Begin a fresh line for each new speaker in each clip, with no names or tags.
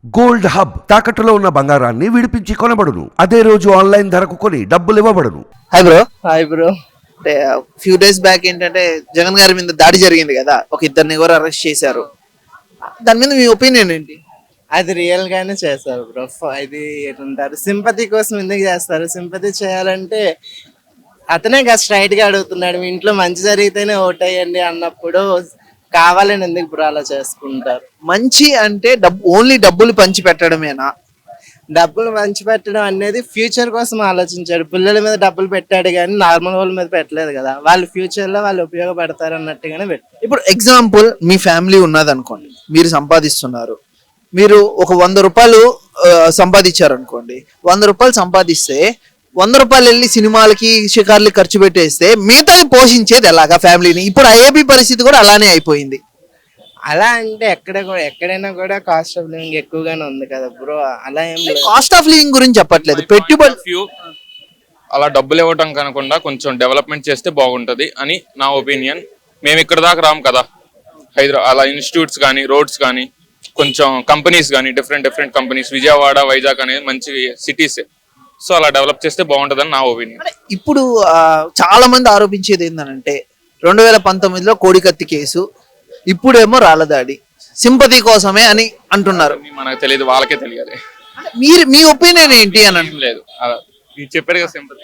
Gold hub తాకట్టులో ఉన్న బంగారాన్ని విడిపించి కొనబడును. అదే రోజు ఆన్లైన్ ధరకు కొని డబ్బులు ఇవ్వబడును.
హాయ్ బ్రో అంటే ఫ్యూ డేస్ బ్యాక్ ఏంటంటే జగన్ గారి మీద దాడి జరిగింది కదా, ఒక ఇద్దరిని ఎవరు అరెస్ట్ చేశారు, దాని మీద మీ ఒపీనియన్ ఏంటి?
అది రియల్ గానే చేస్తారు బ్రో. ఇది ఏంటారు, సింపతి కోసం ఎందుకు చేస్తారు? సింపతి చేయాలంటే అతనే కదా స్ట్రైట్ గా అడుగుతున్నాడు, మీ ఇంట్లో మంచి జరిగితేనే ఓటేయండి అన్నప్పుడు కావాలని ఎందుకు బ్రో అలా చేసుకుంటారు?
మంచి అంటే ఓన్లీ డబ్బులు పంచి పెట్టడమేనా?
డబ్బులు మంచి పెట్టడం అనేది ఫ్యూచర్ కోసం ఆలోచించాడు. పిల్లల మీద డబ్బులు పెట్టాడు కానీ నార్మల్ వాళ్ళ మీద పెట్టలేదు కదా. వాళ్ళు ఫ్యూచర్ లో వాళ్ళు ఉపయోగపడతారు అన్నట్టుగానే పెట్టారు.
ఇప్పుడు ఎగ్జాంపుల్, మీ ఫ్యామిలీ ఉన్నది అనుకోండి, మీరు సంపాదిస్తున్నారు, మీరు ఒక 100 రూపాయలు సంపాదించారు అనుకోండి. 100 రూపాయలు సంపాదిస్తే 100 రూపాయలు వెళ్ళి సినిమాలకి షికార్లకి ఖర్చు పెట్టేస్తే మిగతాది పోషించేది ఎలాగా ఫ్యామిలీని? ఇప్పుడు ఐఏపీ పరిస్థితి కూడా అలానే అయిపోయింది.
అలా అంటే ఎక్కడైనా కూడా కాస్ట్ ఆఫ్ లివింగ్ ఎక్కువగానే ఉంది కదా బ్రో. అలా ఏం లేదు.
కాస్ట్ ఆఫ్ లివింగ్ గురించి చెప్పట్లేదు, పెట్టుబడి.
అలా డబ్బులు ఇవ్వటం కనకుండా కొంచెం డెవలప్మెంట్ చేస్తే బాగుంటది అని నా ఒపీనియన్. మేము ఇక్కడ దాకా రాము కదా, హైదరాబాద్ అలా ఇన్స్టిట్యూట్స్ కానీ రోడ్స్ కానీ కొంచెం కంపెనీస్ కానీ డిఫరెంట్ కంపెనీస్, విజయవాడ వైజాగ్ అనేది మంచి సిటీస్. సో అలా డెవలప్ చేస్తే బాగుంటదని నా ఒపీనియన్.
ఇప్పుడు చాలా మంది ఆరోపించేది ఏంటంటే 2019లో కోడికత్తి కేసు, ఇప్పుడేమో రాళ్ళదాడి, సింపతి కోసమే అని అంటున్నారు.
మనకు తెలియదు, వాళ్ళకే తెలియాలి.
మీరు మీ ఒపీనియన్ ఏంటి అని
లేదు, చెప్పాడు కదా సింపతి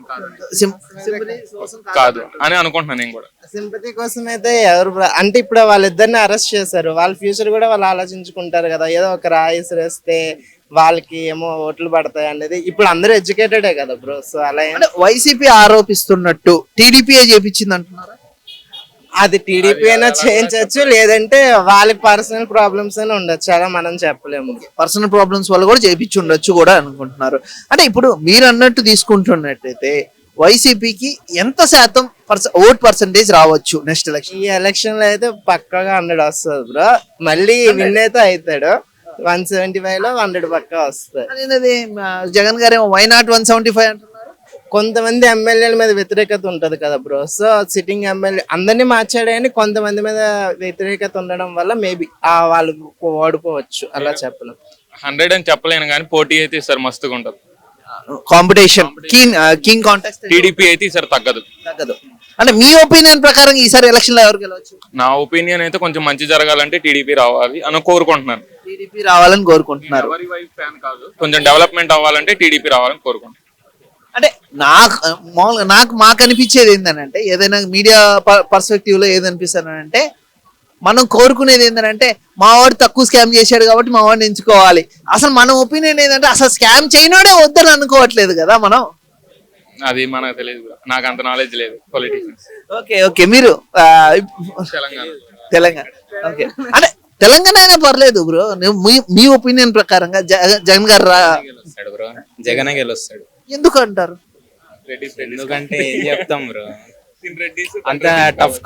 కాదు అని అనుకుంటున్నాను నేను కూడా.
సింపతి కోసం అయితే ఎవరు అంటే ఇప్పుడు వాళ్ళిద్దరిని అరెస్ట్ చేశారు, వాళ్ళ ఫ్యూచర్ కూడా వాళ్ళు ఆలోచించుకుంటారు కదా. ఏదో ఒక రాయిసిరేస్తే వాళ్ళకి ఏమో ఓట్లు పడతాయి అనేది. ఇప్పుడు అందరూ ఎడ్యుకేటెడే కదా బ్రో. సో అలా
వైసీపీ ఆరోపిస్తున్నట్టు టీడీపీ చేపించింది అంటున్నారా?
అది టీడీపీ అయినా చేయించవచ్చు, లేదంటే వాళ్ళకి పర్సనల్ ప్రాబ్లమ్స్ అయినా ఉండొచ్చు, అలా మనం చెప్పలేము.
పర్సనల్ ప్రాబ్లమ్స్ వల్ల కూడా చేయించి ఉండొచ్చు కూడా అనుకుంటున్నారు. అంటే ఇప్పుడు మీరు అన్నట్టు తీసుకుంటున్నట్టయితే వైసీపీకి ఎంత శాతం ఓట్ పర్సంటేజ్ రావచ్చు నెక్స్ట్ ఎలక్షన్?
ఈ ఎలక్షన్ లో అయితే పక్కగా 100 వస్తుంది బ్రో. మళ్ళీ విన్ అయితే అవుతాడు. 175 లో 100 పక్కా వస్తుంది.
జగన్ గారు ఏమో వై నాట్ 175 అంటున్నారు.
కొంతమంది ఎమ్మెల్యేల మీద వ్యతిరేకత ఉంటది కదా బ్రో. సో సిట్టింగ్ ఎమ్మెల్యే అందరినీ మార్చాడు కానీ కొంతమంది మీద వ్యతిరేకత ఉండడం వల్ల మేబీ వాళ్ళు ఓడిపోవచ్చు, అలా చెప్పలేం.
100 అని చెప్పలేను కానీ పోటీ అయితే ఈసారి మస్తుగా ఉంటది.
కాంపిటీషన్ కింగ్ కాంటెస్ట్
టీడీపీ అయితే ఈసారి తగ్గదు.
అంటే మీ ఒపీనియన్ ప్రకారం ఈసారి ఎలక్షన్ లో ఎవరు గెలవచ్చు?
నా ఒపీనియన్ అయితే కొంచెం మంచి జరగాలంటే టీడీపీ రావాలి అని కోరుకుంటున్నాను.
టీడీపీ రావాలని కోరుకుంటున్నారు.
కొంచెం డెవలప్మెంట్ అవ్వాలంటే టీడీపీ రావాలని కోరుకుంటున్నాను.
అంటే మాకు అనిపించేది ఏంటంటే, ఏదైనా మీడియా పర్స్పెక్టివ్ లో ఏదనిపిస్తానంటే, మనం కోరుకునేది ఏంటంటే మా వాడు తక్కువ స్కామ్ చేశాడు కాబట్టి మా వాడిని ఎంచుకోవాలి. అసలు మన ఒపీనియన్ ఏంటంటే అసలు స్కామ్ చేయనోడే వద్దని అనుకోవట్లేదు కదా మనం.
అది మనకు తెలియదు, నాకు అంత నాలెడ్జ్ లేదు పొలిటిషియన్స్.
ఓకే మీరు
తెలంగాణ
ఓకే అంటే తెలంగాణ అయినా పర్లేదు బ్రో. మీ ఒపీనియన్ ప్రకారంగా జగన్ గారు
బ్రో, జగన్ గెలుస్తాడు.
ఎందుకు అంటారు?
ఎందుకంటే ఏం చెప్తాం బ్రో, అంత టఫ్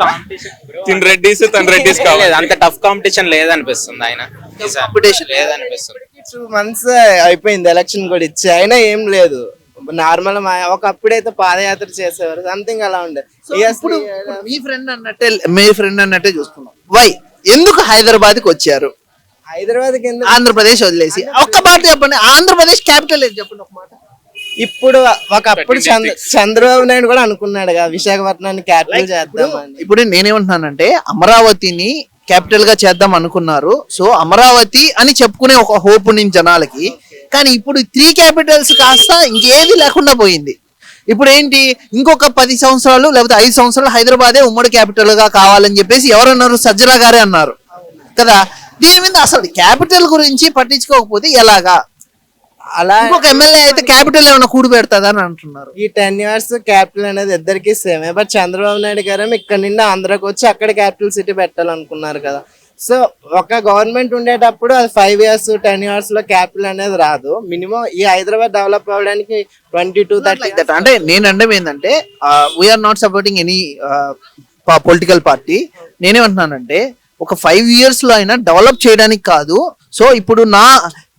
కాంపిటీషన్
అంత టఫ్ కాంపిటీషన్ లేదనిపిస్తుంది. ఆయన
కాంపిటీషన్
లేదనిపిస్తుంది.
2 months అయిపోయింది ఎలక్షన్ కూడా ఇచ్చి, అయినా ఏం లేదు. నార్మల్ ఒకప్పుడైతే పాదయాత్ర చేసేవారు, సంథింగ్ అలా ఉండే.
ఇప్పుడు మీ ఫ్రెండ్ అన్నట్టే చూసుకున్నాం. వై ఎందుకు హైదరాబాద్ కి వచ్చారు?
హైదరాబాద్ కింద
ఆంధ్రప్రదేశ్ వదిలేసి ఒక్క మాట చెప్పండి. ఆంధ్రప్రదేశ్ క్యాపిటల్ ఏది చెప్పండి ఒక మాట.
ఇప్పుడు ఒకప్పుడు చంద్రబాబు నాయుడు కూడా అనుకున్నాడు కదా విశాఖపట్నాన్ని క్యాపిటల్ చేద్దామని.
ఇప్పుడు నేనేమంటున్నానంటే అమరావతిని క్యాపిటల్ గా చేద్దాం అనుకున్నారు. సో అమరావతి అని చెప్పుకునే ఒక హోప్ ఉంది జనాలకి. కానీ ఇప్పుడు 3 క్యాపిటల్స్ కాస్త ఇంకేది లేకుండా పోయింది. ఇప్పుడు ఏంటి, ఇంకొక 10 సంవత్సరాలు లేకపోతే 5 సంవత్సరాలు హైదరాబాదే ఉమ్మడి క్యాపిటల్ గా కావాలని చెప్పేసి ఎవరన్నారు? సజ్జల గారే అన్నారు కదా. దీని మీద అసలు క్యాపిటల్ గురించి పట్టించుకోకపోతే ఎలాగా? అలా ఇంకొక ఎమ్మెల్యే అయితే క్యాపిటల్ ఏమైనా కూడి పెడతాదా అని అంటున్నారు.
ఈ 10 years క్యాపిటల్ అనేది ఇద్దరికి సేమే. బట్ చంద్రబాబు నాయుడు గారు ఇక్కడ నిన్న ఆంధ్రాకి వచ్చి అక్కడ క్యాపిటల్ సిటీ పెట్టాలనుకున్నారు కదా. సో ఒక గవర్నమెంట్ ఉండేటప్పుడు అది 5 years 10 years లో క్యాపిటల్ అనేది రాదు. మినిమం ఈ హైదరాబాద్ డెవలప్ అవ్వడానికి 20-30.
అంటే నేను అనడం ఏంటంటే, we are not supporting any political party. నేనేమంటున్నానంటే ఒక 5 years లో అయినా డెవలప్ చేయడానికి కాదు. సో ఇప్పుడు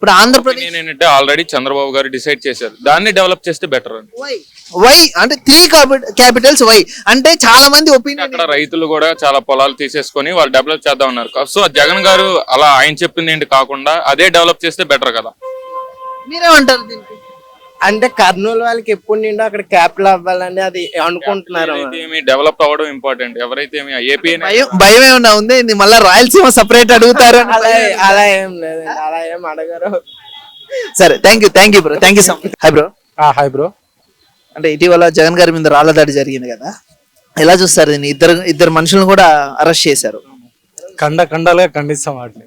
ఇప్పుడు ఆంధ్రప్రదేశ్
ఏంటంటే ఆల్రెడీ చంద్రబాబు గారు డిసైడ్ చేశారు, దాన్ని డెవలప్ చేస్తే బెటర్ అని.
వై అంటే త్రీ క్యాపిటల్స్ వై అంటే చాలా మంది ఒపీనియన్.
అక్కడ రైతులు కూడా చాలా పొలాలు తీసేసుకొని వాళ్ళు డెవలప్ చేద్దాం ఉన్నారు. సో జగన్ గారు అలా ఆయన చెప్పింది ఏంటి కాకుండా అదే డెవలప్ చేస్తే బెటర్ కదా.
మీరేమంటారు దీనికి?
అంటే కర్నూలు వాళ్ళకి ఎప్పుడు నిండో అక్కడ క్యాపిటల్ అవ్వాలని అది అనుకుంటున్నారు.
డెవలప్ అవ్వడం ఇంపార్టెంట్. ఎవరైతే ఏపీ
భయం ఏమన్నా ఉంది ఇది మళ్ళీ రాయలసీమ సపరేట్ అడుగుతారు
అలా ఏం లేదండి, అలా ఏం అడగరు.
సరే thank you bro, thank you so much. Hi bro.
Hi bro.
అంటే ఇటీవల జగన్ గారి మీద రాళ్ల దాడి జరిగింది కదా, ఎలా చూస్తారు దీన్ని? ఇద్దరు మనుషులను కూడా అరెస్ట్ చేశారు.
ఖండాలుగా ఖండిస్తాం వాటిని.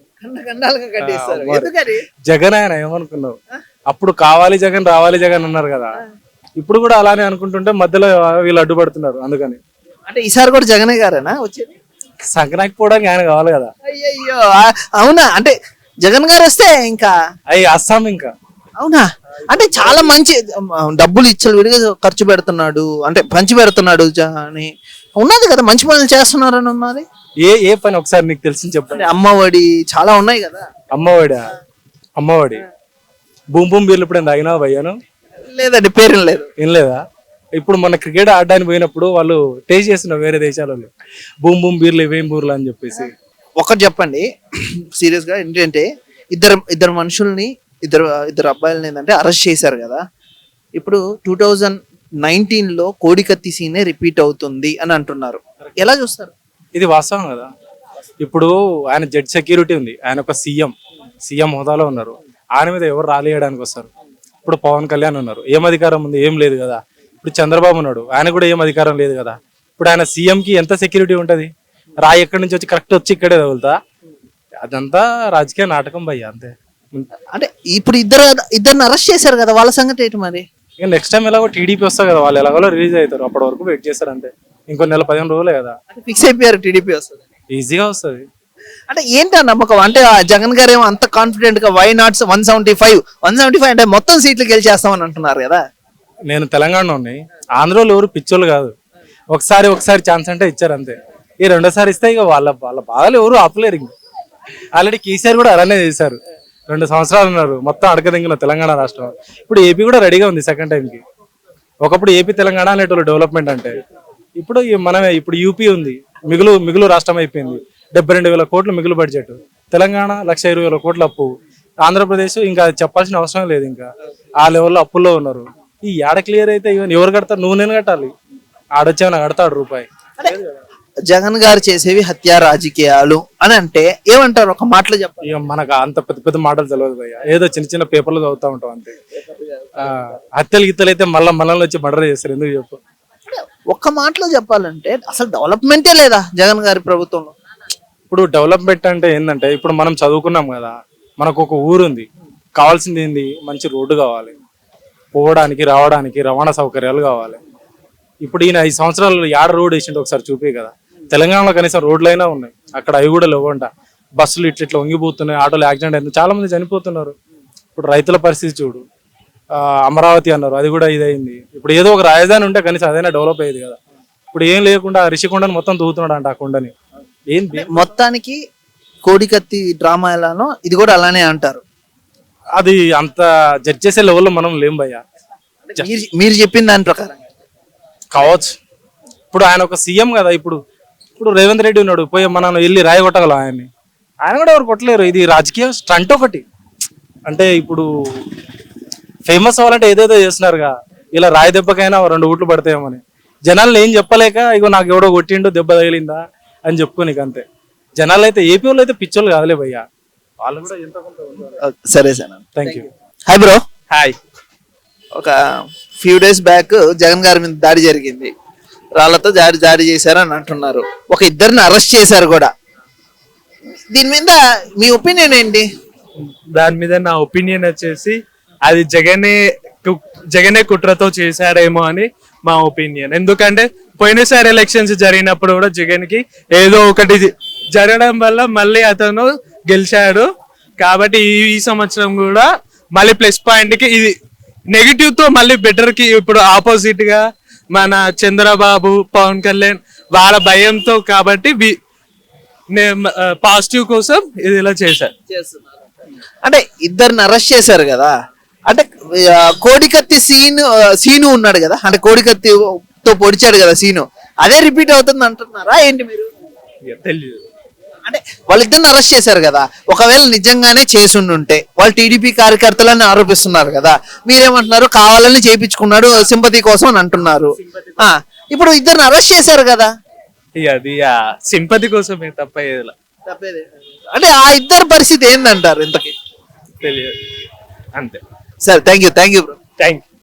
జగన్ ఆయన ఏమనుకున్నావు? అప్పుడు కావాలి జగన్ రావాలి జగన్ అన్నారు కదా, ఇప్పుడు కూడా అలానే అనుకుంటుంటే మధ్యలో వీళ్ళు అడ్డుపడుతున్నారు. అందుకని
అంటే ఈసారి కూడా జగనే గారేనా వచ్చేది?
సంక్రాంతికి పోవడానికి ఆయన కావాలి కదా.
అయ్యయ్యో అవునా? అంటే జగన్ గారు వస్తే ఇంకా
అయ్యి అస్సాం ఇంకా.
అవునా? అంటే చాలా మంచి డబ్బులు ఇచ్చలు విడిగా ఖర్చు పెడుతున్నాడు, అంటే పంచి పెడుతున్నాడు అని ఉన్నది కదా, మంచి పనులు చేస్తున్నారని ఉన్నది.
ఏ పని ఒకసారి నీకు తెలిసి చెప్పండి.
అమ్మఒడి చాలా ఉన్నాయి కదా.
అమ్మఒడి బూమ్ బూమ్ బీర్లు ఇప్పుడు తాగినా భయ్యాను?
లేదండి, పేరు లేదు.
ఏం లేదా? ఇప్పుడు మన క్రికెట్ ఆడడానికి పోయినప్పుడు వాళ్ళు టేస్ట్ చేస్తున్నారు వేరే దేశాలలో, బూమ్ బీర్లు ఇవేం బూర్లు అని చెప్పేసి.
ఒకటి చెప్పండి సీరియస్ గా, ఏంటంటే ఇద్దరు మనుషుల్ని ఇద్దరు అబ్బాయిలని ఏంటంటే అరెస్ట్ చేశారు కదా. ఇప్పుడు 2019లో కోడికత్తి సీనే రిపీట్ అవుతుంది అని అంటున్నారు, ఎలా చూస్తారు?
ఇది వాస్తవం కదా. ఇప్పుడు ఆయన జడ్జ్ సెక్యూరిటీ ఉంది, ఆయన ఒక సీఎం హోదాలో ఉన్నారు. ఆయన మీద ఎవరు రాలేయడానికి వస్తారు? ఇప్పుడు పవన్ కళ్యాణ్ ఉన్నారు, ఏం అధికారం ఉంది? ఏం లేదు కదా. ఇప్పుడు చంద్రబాబు ఉన్నాడు, ఆయన కూడా ఏం అధికారం లేదు కదా. ఇప్పుడు ఆయన సీఎంకి ఎంత సెక్యూరిటీ ఉంటది? రాయి ఎక్కడి నుంచి వచ్చి కరెక్ట్ వచ్చి ఇక్కడే తగులుతా? అదంతా రాజకీయ నాటకం భయ్య, అంతే.
అంటే ఇప్పుడు ఇద్దరిని అరెస్ట్ చేశారు కదా, వాళ్ళ సంగతి ఏంటి మరి?
ఇక నెక్స్ట్ టైం ఎలాగో టీడీపీ వస్తారు కదా, వాళ్ళు ఎలాగో రిలీజ్ అవుతారు. అప్పటి వరకు వెయిట్ చేస్తారు అంతే. ఇంకో నెల 15 రోజులే కదా.
ఫిక్స్ అయిపోయారు టీడీపీ వస్తుంది,
ఈజీగా వస్తుంది.
అంటే ఏంటి నమ్మకం? అంటే జగన్ గారు ఏమో అంత కాన్ఫిడెంట్ గా వై నాట్ 175 అంటే మొత్తం సీట్లు గెలిచేస్తామని అంటున్నారు కదా.
నేను తెలంగాణలో ఉన్నాయి, ఆంధ్రలో ఎవరు పిచ్చోళ్ళు కాదు. ఒకసారి ఛాన్స్ అంటే ఇచ్చారు అంతే. ఈ రెండోసారి ఇస్తే ఇక వాళ్ళ బాధలు ఎవరు ఆపలేరు. ఇంక ఆల్రెడీ కేసీఆర్ కూడా అలానే చేశారు. 2 సంవత్సరాలు ఉన్నారు, మొత్తం అడగదింగిన తెలంగాణ రాష్ట్రం. ఇప్పుడు ఏపీ కూడా రెడీగా ఉంది సెకండ్ టైంకి. ఒకప్పుడు ఏపీ తెలంగాణ అనేటోళ్ళు డెవలప్మెంట్ అంటే, ఇప్పుడు ఇప్పుడు యూపీ ఉంది, మిగులు రాష్ట్రం అయిపోయింది. 72,000 కోట్లు మిగులు బడ్జెట్. తెలంగాణ 1,20,000 కోట్ల అప్పు. ఆంధ్రప్రదేశ్ ఇంకా చెప్పాల్సిన అవసరం లేదు, ఇంకా ఆ లెవెల్లో అప్పుల్లో ఉన్నారు. ఈ ఏడ క్లియర్ అయితే ఎవరు కడతారు? నేను కట్టాలి, ఆడొచ్చేమన్నా కడతాడు రూపాయి.
జగన్ గారు చేసేవి హత్యా రాజకీయాలు అని అంటే ఏమంటారు? ఒక మాటలో చెప్పాలి.
ఇక మనకు అంత పెద్ద మాటలు తెలియదు భయ్య, ఏదో చిన్న పేపర్లు చదువుతా ఉంటాం అంతే. హత్యలు గిత్తలు అయితే మనల్ని వచ్చి మర్డర్ చేస్తారు, ఎందుకు చెప్పు?
ఒక్క మాటలో చెప్పాలంటే అసలు డెవలప్మెంటే లేదా జగన్ గారి ప్రభుత్వంలో.
ఇప్పుడు డెవలప్మెంట్ అంటే ఏంటంటే, ఇప్పుడు మనం చదువుకున్నాం కదా, మనకు ఒక ఊరు ఉంది, కావాల్సింది ఏంది? మంచి రోడ్డు కావాలి, పోవడానికి రావడానికి రవాణా సౌకర్యాలు కావాలి. ఇప్పుడు ఈయన 5 సంవత్సరాలు యాడ రోడ్ వేసిండు ఒకసారి చూపే కదా. తెలంగాణలో కనీసం రోడ్లైనా ఉన్నాయి, అక్కడ అవి కూడా లేవంట. బస్సులు ఇట్లా వంగిపోతున్నాయి, ఆటోలు యాక్సిడెంట్ అయింది, చాలా మంది చనిపోతున్నారు. ఇప్పుడు రైతుల పరిస్థితి చూడు. అమరావతి అన్నారు, అది కూడా ఇదైంది. ఇప్పుడు ఏదో ఒక రాజధాని ఉంటే కనీసం అదైనా డెవలప్ అయ్యేది కదా. ఇప్పుడు ఏం లేకుండా రిషికొండని మొత్తం తూగుతున్నాడు అంట. ఆ కొండని ఏంటి
మొత్తానికి కోడికత్తి డ్రామా ఎలానో ఇది కూడా అలానే అంటారు.
అది అంత జడ్జ్ చేసే లెవెల్లో మనం లేం భయ్యా.
మీరు చెప్పిన దాని ప్రకారం
కావచ్చు. ఇప్పుడు ఆయన ఒక సీఎం కదా. ఇప్పుడు రేవంత్ రెడ్డి ఉన్నాడు, పోయి మనం వెళ్ళి రాయి కొట్టగలం ఆయన్ని. ఆయన కూడా ఎవరు కొట్టలేరు. ఇది రాజకీయ స్టంట్ ఒకటి. అంటే ఇప్పుడు ఫేమస్ అవ్వాలంటే ఏదేదో చేస్తున్నారుగా, ఇలా రాయి దెబ్బకైనా 2 ఓట్లు పడతాయేమని. జనాలను ఏం చెప్పలేక ఇగో నాకు ఎవడో కొట్టిండు, దెబ్బ తగిలిందా అని చెప్పుకోనికి అంతే. జనాలు అయితే ఏపీ వాళ్ళు అయితే పిచ్చోళ్ళు కాదులే భయ్యా, వాళ్ళు కూడా ఎంత కొంత.
సరే sir,
thank you.
Hi bro.
Hi.
ఒక ఫ్యూ డేస్ బ్యాక్ జగన్ గారి మీద దాడి జరిగింది, రాళ్లతో దాడి చేశారని అంటున్నారు. ఒక ఇద్దరిని అరెస్ట్ చేశారు కూడా. దీని మీద మీ ఒపీనియన్ ఏంటి?
దాని మీద నా ఒపీనియన్ వచ్చేసి అది జగనే కుట్రతో చేశాడేమో అని మా ఒపీనియన్. ఎందుకంటే పోయినసారి ఎలక్షన్స్ జరిగినప్పుడు కూడా జగన్ కి ఏదో ఒకటి జరగడం వల్ల మళ్ళీ అతను గెలిచాడు. కాబట్టి ఈ సంవత్సరం కూడా మళ్ళీ ప్లస్ పాయింట్ కి ఇది నెగిటివ్ తో మళ్ళీ బెటర్ కి ఇప్పుడు ఆపోజిట్ గా మన చంద్రబాబు, పవన్ కళ్యాణ్ వాళ్ళ భయంతో, కాబట్టి పాజిటివ్ కోసం ఇది ఇలా చేశారు.
అంటే ఇద్దరిని అరెస్ట్ చేశారు కదా, అంటే కోడికత్తి సీను ఉన్నాడు కదా, అంటే కోడికత్తితో పొడిచాడు కదా సీను, అదే రిపీట్ అవుతుంది అంటున్నారా ఏంటి మీరు?
తెలియదు.
అంటే వాళ్ళిద్దరిని అరెస్ట్ చేశారు కదా, ఒకవేళ నిజంగానే చేసుండుంటే వాళ్ళు టీడీపీ కార్యకర్తలని ఆరోపిస్తున్నారు కదా, మీరేమంటున్నారు కావాలని చేయించుకున్నాడు సింపతి కోసం అని అంటున్నారు. ఇప్పుడు ఇద్దరిని అరెస్ట్ చేశారు కదా,
ఇక అది సింపతి కోసమే తప్ప ఏదిలా
అంటే ఆ ఇద్దరు పరిస్థితి ఏందంటారు ఇంతకి?
తెలియదు అంతే.
సరే, thank you bro.
Thank you.